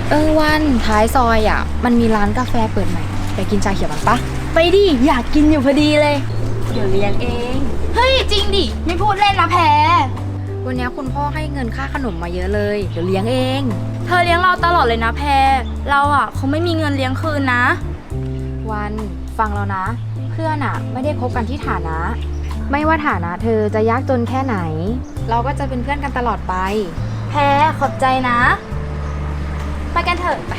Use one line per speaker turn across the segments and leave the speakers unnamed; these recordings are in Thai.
วันท้ายซอยอ่ะมันมีร้านกาแฟเปิดใหม่ไปกินชาเขียวมันปะ
ไปดิอยากกินอยู่พอดีเลยเดี๋ยวเลี้ยงเองเฮ้ยจริงดิไม่พูดเล่นนะแพร
วันนี้คุณพ่อให้เงินค่าขนมมาเยอะเลยเดี๋ยวเลี้ยงเอง
เธอเลี้ยงเราตลอดเลยนะแพรเราอ่ะคงไม่มีเงินเลี้ยงคืนนะ
วันฟังเรานะเพื่อนอ่ะไม่ได้คบกันที่ฐานะไม่ว่าฐานะเธอจะยากจนแค่ไหนเราก็จะเป็นเพื่อนกันตลอดไป
แพรขอบใจนะไปกันเถอะไป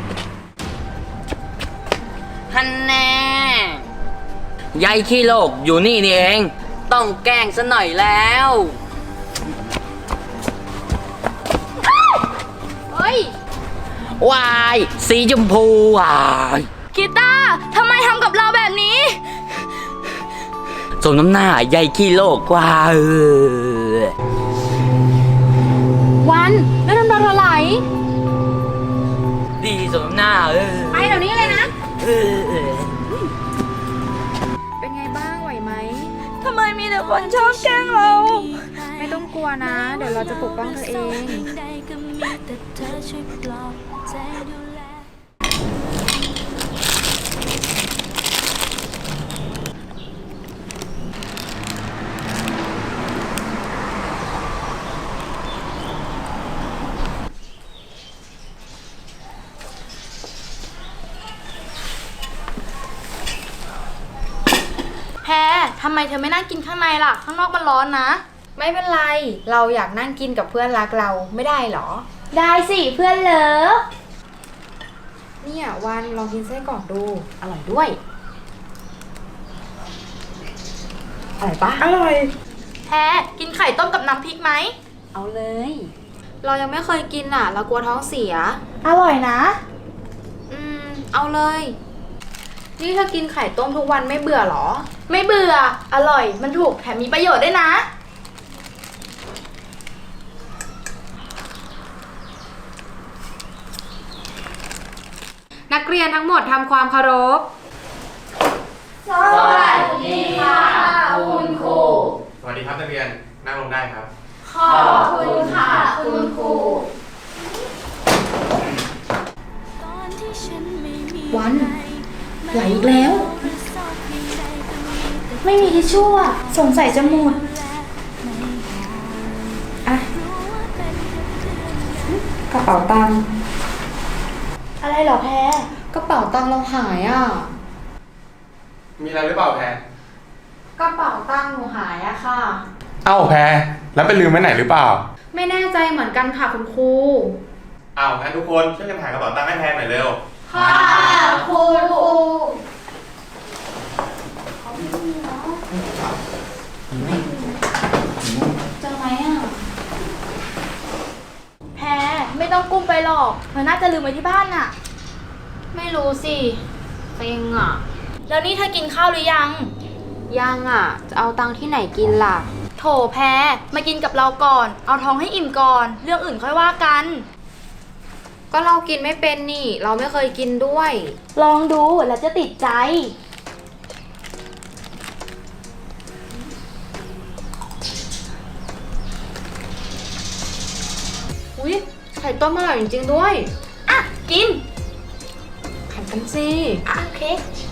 ฮันแน่ยายขี้โลกอยู่นี่เองต้องแกล้งซะหน่อยแล้ว
เฮ้ย
วายสีชมพูวาย
กีตาร์ทำไมทำกับเราแบบนี้
สมน้ำหน้ายายขี้โลกกว่า
วันแล้วน้ำตาเธอไหล
ดีสมน้ำหน้า
ไปเดี๋ยวนี้เลยนะ
เป็นไงบ้างไหวไหม
ทำไมมีแต่คนชอบแกล้งเรา
ไม่ต้องกลัวนะเดี๋ยวเราจะปกป้องเธอเอง
แพรทำไมเธอไม่นั่งกินข้างในล่ะข้างนอกมันร้อนนะ
ไม่เป็นไรเราอยากนั่งกินกับเพื่อนรักเราไม่ได้หรอ
ได้สิเพื่อนเลิฟ
เนี่ยวันลองกินไส้กรอกดูอร่อยด้วยอร่อยปะ
อร่อยแพรกินไข่ต้มกับน้ำพริกไหม
เอาเลยเรายังไม่เคยกินอ่ะเรากลัวท้องเสีย
อร่อยนะ
เอาเลยนี่เธอกินไข่ต้มทุกวันไม่เบื่อหรอ
ไม่เบื่ออร่อยมันถูกแถมมีประโยชน์ด้วยนะ
นักเรียนทั้งหมดทำความเคารพ
สวัสดีค่ะคุณครู
สวัสดีครับนักเรียนนั่งลงได้ครับ
ขอบคุณค่ะคุณครู
วันไหลอีกแล้ว
ไม่มีทิชชู่อ่ะสงสัยจะหมด
อ่ะกระเป๋าตังค์
อะไรเหรอแพร
กระเป๋าตังค์เราหายอ่ะ
มีอะไรหรือเปล่าแพร
กระเป๋าตังค์หนูหายอะค่ะ
เอ้าแพรแล้วไปลืมไว้ไหนหรือเปล่า
ไม่แน่ใจเหมือนกันค่ะคุณครู
อ้าวงั้นทุกคนช่วยกันหากระเป๋าตังค์ให้แพรหน่อยเร็ว
ค่ะคุณครูเจอไหมอ่ะแพรไม่ต้องกุ้มไปหรอกเธอน่าจะลืมไว้ที่บ้านน่ะไม่รู้สิ
เซ็งอ่ะ
แล้วนี่เธอกินข้าวหรือยัง
ยังอ่ะจะเอาตังค์ที่ไหนกินล่ะ
โถแพรมากินกับเราก่อนเอาท้องให้อิ่มก่อนเรื่องอื่นค่อยว่ากัน
ก็เรากินไม่เป็นนี่เราไม่เคยกินด้วย
ลองดูแล้วจะติดใจ
อุ๊ยไข่ต้มอร่อยจริงๆด้วย
อ่ะกิน
แข่งกันสิ
โอเค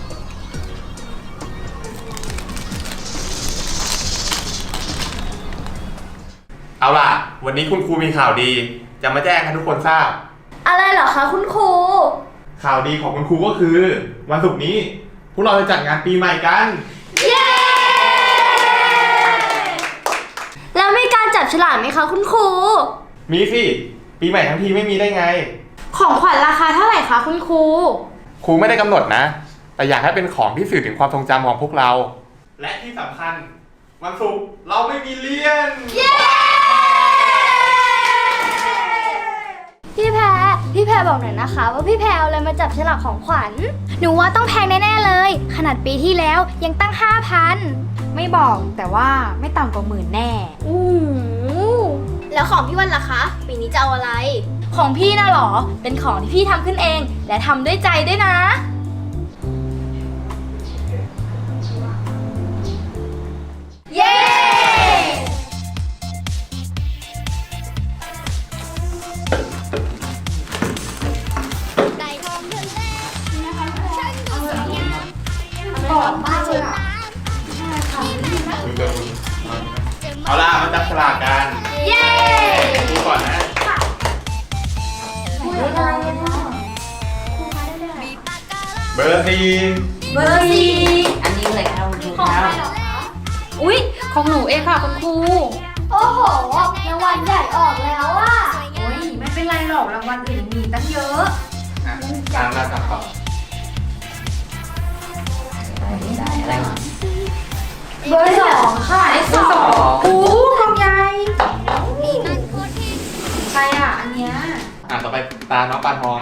เอาล่ะวันนี้คุณครูมีข่าวดีจะมาแจ้งให้ทุกคนทราบ
อะไรเหรอคะคุณครู
ข่าวดีของคุณครูก็คือวันศุกร์นี้พวกเราจะจัดงานปีใหม่กัน
เย้แล้วมีการจับฉลากไหมคะคุณครู
มีสิปีใหม่ทั้งทีไม่มีได้ไง
ของขวัญราคาเท่าไหร่คะคุณครู
ครูไม่ได้กำหนดนะแต่อยากให้เป็นของที่สื่อถึงความทรงจำของพวกเราและที่สำคัญวันศุกร์เราไม่มีเรียน
เย้พี่แพรบอกหน่อยนะคะว่าพี่แพรเอาอะไรมาจับฉลากของขวัญหนูว่าต้องแพงแน่ๆเลยขนาดปีที่แล้วยังตั้ง 5,000
ไม่บอกแต่ว่าไม่ต่ำกว่า10,000แน่
แล้วของพี่วันล่ะคะปีนี้จะเอาอะไรของพี่น่ะหรอเป็นของที่พี่ทำขึ้นเองและทำด้วยใจด้วยนะเย้
บอร์สี่
เบอร์สี่
อันนี้เลยครับคุณครู
ของ
ค
ใคร
รับ
เหรอคะ
อุ๊ย ของหนูเองค่ะคุณครู
โอ้โหรางวัลใหญ่ออกแล้วอะ
โอ้ยไม่เป็นไรหรอกรางวัลอื่นมีตั้งเยอะ
อ่ะตามเราต่อ
ได้อะไรมา
เบอร์สองค่ะ
ได้สองโอ้กองใหญ่ใครอ่ะ อันเนี้ย
ต่อไปตาน้องปลาทอง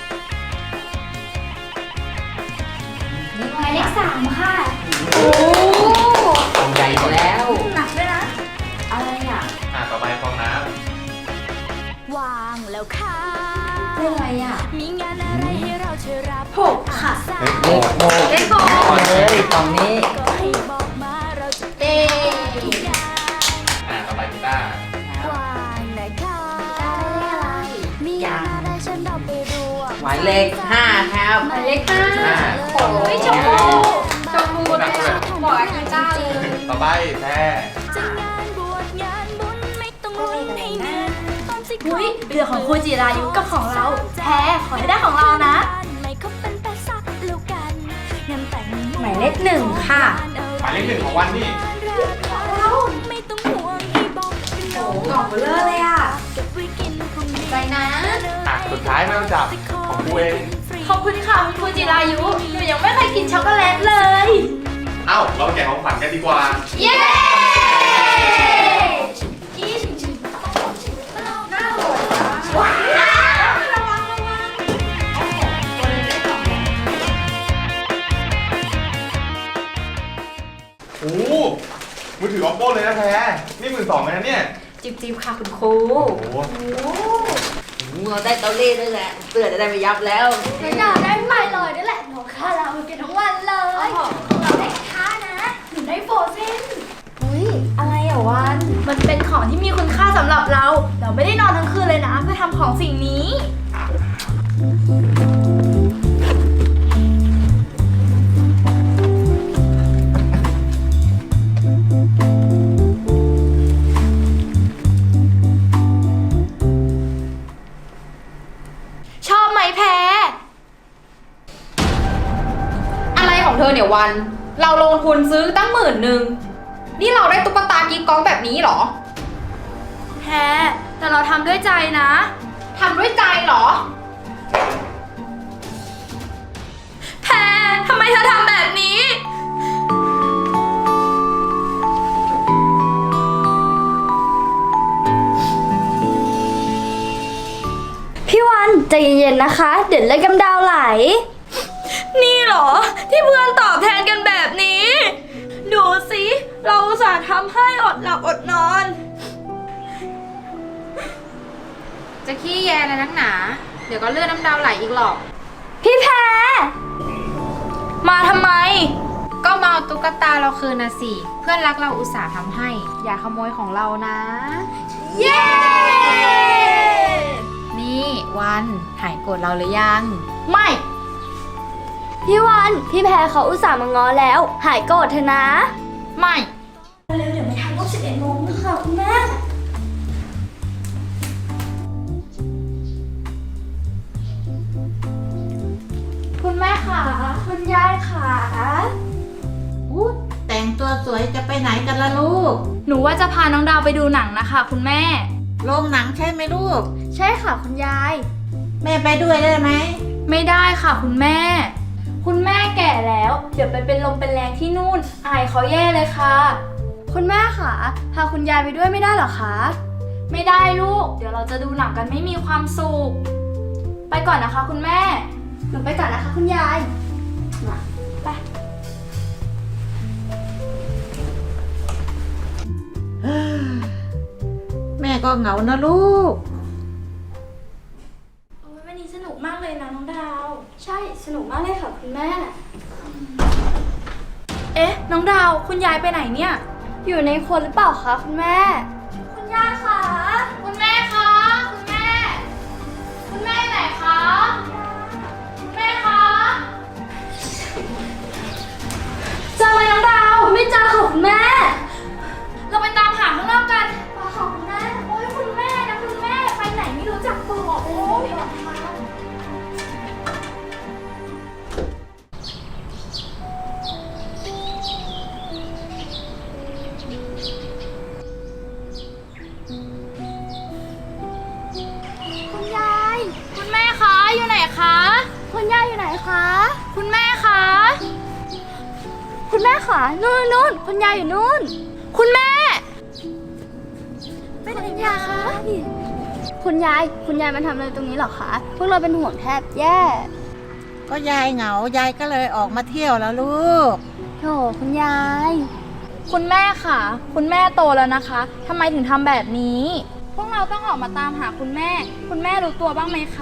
หมายเลขสามค่ะ
โอ้
กองใหญ่อีกแล้ว
หนักด้วยนะ
อะไรอ่ะ
ต่อไปฟองน้
วางแล้วค่ะ
เรื่องอะไรอ่ะ
มีงานอะไรให้เราช่วยรับ
หกค่ะ
ำ
เลขโม
เลขหก
เลยตรงนี้
ก็ให้บอกมาเราจะ
เต้
ต่อไปกีตาร์
วางนะคะ
ได้อะไร
มีงานอะไรฉันเราไปรวม
หมายเลข5ครับ
หมายเลขห้า
โอ้ยชมพู
ชมพูเลยอ่ะบอกอาจารย์จ้าเลย
ต่อไปแพร
จะงานบวชงานบุญไม่ต้องลุ้นให้เงินตอนสิ
อุ้ยเหลือของครูจิรายุกับของเรา แพ้ขอให้ได้ของเรานะ
ไม่คบเป็นแปดสักแล้วกันงานแต่ง
หมายเลขหนึ่งค่ะ
หมายเลขหนึ่งของวันนี่
ไม่ต้องห่วงให้บอก
โอ้กล่องเบลอเลยอ่ะ
เก็บไว้กินพรุ่งนี้
ใจนะ
สุดท้ายไม่ต้องจับของกูเอง
ขอบคุณค่ะคุณครูจิรายุ หนูยังไม่เคยกินช็อกโกแลตเลย
เอ้า เราแกะของขวัญกันดีกว่า
เย้ว้าวระวังระวัง
โอ้โหมือถือ oppo เลยนะแพรนี่12,000เลยนะเนี่ย
จิบๆค่ะคุณครู
โอ้โห
เราได้เตาเล่ด้วยแหละเสื้อจะได้ไม่ยับแล้ว
หนูอยากได้ไมลอยด้วยแหละหนูค่าเราเก็บทั้งวันเลยเราได้ค่านะหนูได้โฟเซน
อุ้ยอะไรอ่ะวัน
มันเป็นของที่มีคุณค่าสำหรับเรา เราไม่ได้นอนทั้งคืนเลยนะเพื่อทำของสิ่งนี้ ชอบไหมแพ้
อะไรของเธอเนี่ยวัน เราลงทุนซื้อตั้ง10,000นี่เราได้ตุ๊กตากิ๊กก๊อกแบบนี้เหรอ
แพ้แต่เราทำด้วยใจนะ
ทำด้วยใจเหรอ
แพ้ทำไมเธอทำแบบนี้ พี่วันใจเย็นๆนะคะ เดี๋ยวเลือดกำดาวไหล นี่เหรอ ที่เพื่อนตอบแทนกันแบบนี้ ดูสิ เราอุตส่าห์ทำให้อดหลับอดนอน
จะขี้แยอะไรนักหนา เดี๋ยวก็เลือดน้ำดาวไหลอีกหรอก
พี่แพ้มาทำไม
ก็มาเอาตุ๊กตาเราคืนนะสิ เพื่อนรักเราอุตส่าห์ทำให้ อย่าขโมยของเรานะ
เย้
นี่วันหายโกรธเราหรือยัง
ไม่ พี่วัน พี่แพรเขาอุตส่าห์มาง้อแล้ว หายโกรธเถอะนะ
ไม่
เร็วเดี๋ยวไม่ทันรอบ11 โมงค่ะคุณแม่ คุณแม่ค่ะ คุณยายค่ะ
อู้แต่งตัวสวยจะไปไหนกันล่ะลูก
หนูว่าจะพาน้องดาวไปดูหนังนะคะ คุณแม่
โรงหนังใช่ไหมลูก
ใช่ค่ะคุณยาย
แม่ไปด้วยได้ไหม
ไม่ได้ค่ะคุณแม่ คุณแม่แก่แล้ว เดี๋ยวไปเป็นลมเป็นแรงที่นู่น อายเขาแย่เลยค่ะ คุณแม่ค่ะ พาคุณยายไปด้วยไม่ได้หรอคะ ไม่ได้ลูก เดี๋ยวเราจะดูหนังกันไม่มีความสุข ไปก่อนนะคะ คุณแม่ หนูไปก่อนนะคะ คุณยายมาไป
แม่ก็เหงานะลูก
โอ้ยวันนี้สนุกมากเลยนะน้องดาว ใช่ สนุกมากเลยค่ะคุณแม่ เอ๊ะ น้องดาว คุณยายไปไหนเนี่ย อยู่ในครัวหรือเปล่าคะคุณแม่ คุณยายคะ คุณแม่คะ คุณแม่ คุณแม่ไหนคะ คุณแม่คะเจอไหมน้องดาว ไม่เจอค่ะคุณแม่ เราไปตามหาข้างนอกกันค่ะคุณแม่ โอ้ยคุณแม่นะคุณแม่ ไปไหนไม่รู้จักบอกโอ้ยคุณแม่คะ คุณแม่คะนู่นคุณยายอยู่นู่น คุณแม่ไปไหนยายคะคุณยายมาทำอะไรตรงนี้เหรอคะ พวกเราเป็นห่วงแทบแย่
ก็ยายเหงายายก็เลยออกมาเที่ยวแล้วลูก
โถคุณยาย คุณแม่ค่ะ คุณแม่โตแล้วนะคะทำไมถึงทำแบบนี้ พวกเราต้องออกมาตามหาคุณแม่ คุณแม่รู้ตัวบ้างไหมคะ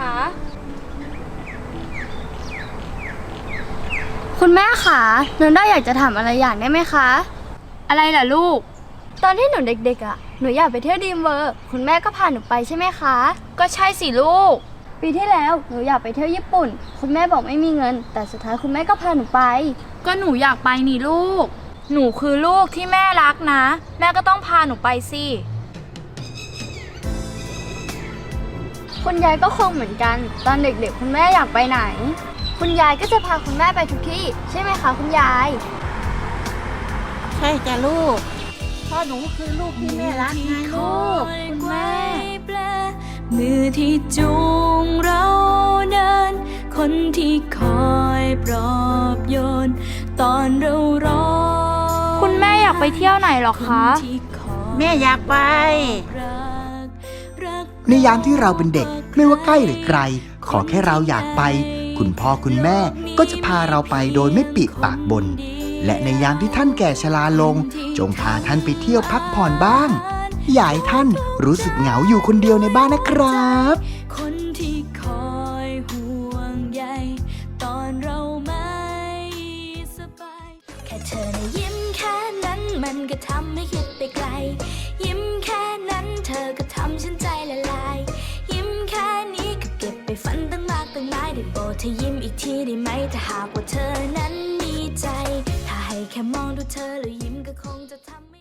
คุณแม่ค่ะหนูได้อยากจะถามอะไรอย่างได้ไหมคะ อะไรล่ะลูก ตอนที่หนูเด็กๆอ่ะ หนูอยากไปเที่ยวดีมเวอร์ คุณแม่ก็พาหนูไปใช่ไหมคะ ก็ใช่สิลูก ปีที่แล้วหนูอยากไปเที่ยวญี่ปุ่น คุณแม่บอกไม่มีเงิน แต่สุดท้ายคุณแม่ก็พาหนูไป ก็หนูอยากไปนี่ลูก หนูคือลูกที่แม่รักนะ แม่ก็ต้องพาหนูไปสิ คุณยายก็คงเหมือนกัน ตอนเด็กๆคุณแม่อยากไปไหน คุณยายก็จะพาคุณแม่ไปทุกที่ใช่ไหมคะคุณยาย
ใช่จ้ะลูกพ่อหนูคือลูกที่แม่รักไงลูก
คุณแม่
มือที่จูงเราเดิน คนที่คอยปลอบโยน ตอนเราร้อง
คุณแม่อยากไปเที่ยวไหนหรอคะ
ที่คอย
แม่อยากไป
รัก
ในยามที่เราเป็นเด็กไม่ว่าใกล้หรือไกล ขอแค่เราอยากไป คุณพ่อคุณแม่ก็จะพาเราไปโดยไม่ปิดปากบ่นและในยามที่ท่านแก่ชราลง จงพาท่านไปเที่ยวพักผ่อนบ้างอย่าให้ท่านรู้สึกเหงาอยู่คนเดียวในบ้านนะครับ
คนที่คอยห่วงใยตอนเราไม่สบาย แค่เธอนะยิ้มแค่นั้นมันก็ทำให้คิดไปไกล ยิ้มแค่นั้นเธอก็ทำฉันใจละลาย ยิ้มแค่นี้ก็เก็บไปฝันตั้งมากตั้งหลายได้โปรดเธอยิ้มอีกทีได้ไหมถ้าหากว่าเธอนั้นมีใจ ถ้าให้แค่มองดูเธอแล้วยิ้มก็คงจะทำ